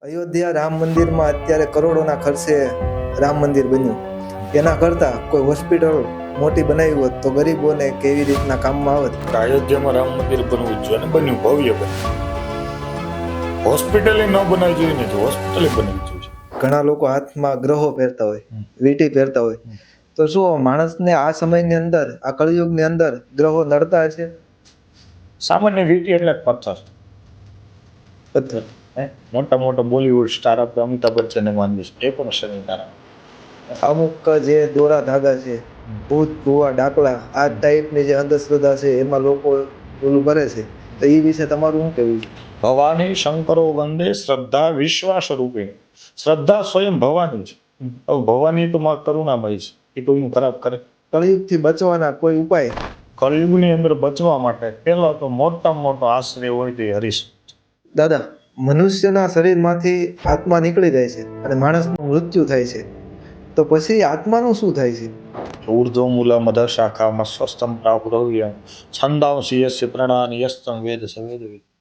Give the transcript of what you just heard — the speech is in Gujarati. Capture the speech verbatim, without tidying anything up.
અયોધ્યા રામ મંદિરમાં અત્યારે કરોડોના ખર્ચે રામ મંદિર બન્યું. એના કરતાં કોઈ હોસ્પિટલ મોટી બનાવી હોત તો ગરીબોને કેવી રીતના કામમાં આવત. અયોધ્યામાં રામ મંદિર બનવું જ જોઈએ ને બન્યું, ભવ્ય બન્યું. હોસ્પિટલે ન બનાવી જોઈએ ને તો હોસ્પિટલે બનવી જોઈએ. ઘણા લોકો હાથમાં ગ્રહો પહેરતા હોય, વીંટી પહેરતા હોય, તો શું માણસને આ સમયની અંદર, આ કળિયુગની અંદર ગ્રહો નડતા હશે? સામાન્ય વીંટી એટલે જ પથ્થર. પથ્થર હે મોટા મોટા બોલિવૂડ સ્ટાર આપણે અમિતાભ બચ્ચનને માનીએ છીએ, એ પણ શનિ તારા. અમુક જે દોરા ધાગા છે, ભૂત ભુવા ડાકલા, આ ટાઈપની જે અંધશ્રદ્ધા છે એમાં લોકો ઓલું કરે છે, તો એ વિશે તમારું શું કહેવું છે? ભવાની શંકરો વંદે શ્રદ્ધા વિશ્વાસ રૂપે. શ્રદ્ધા સ્વયં ભવાની છે. હવે ભવાની તો માં કરુણામય છે, એ કોઈનું ખરાબ કરે. કળિયુગથી બચવાના કોઈ ઉપાય? કળિયુગની અંદર બચવા માટે પહેલો તો મોટામાં મોટો આશ્રય હોય તો એ હરીશ. દાદા, મનુષ્યના શરીરમાંથી આત્મા નીકળી જાય છે અને માણસનું મૃત્યુ થાય છે, તો પછી આત્માનું શું થાય છે? ઊર્ધ્વમૂલમ અધઃ શાખામાં સ્વસ્થમ પ્રાપ્તવ્ય છંદાંસી યસ્ય પ્રણાનિ યસ્તં વેદ સ વેદવિદ.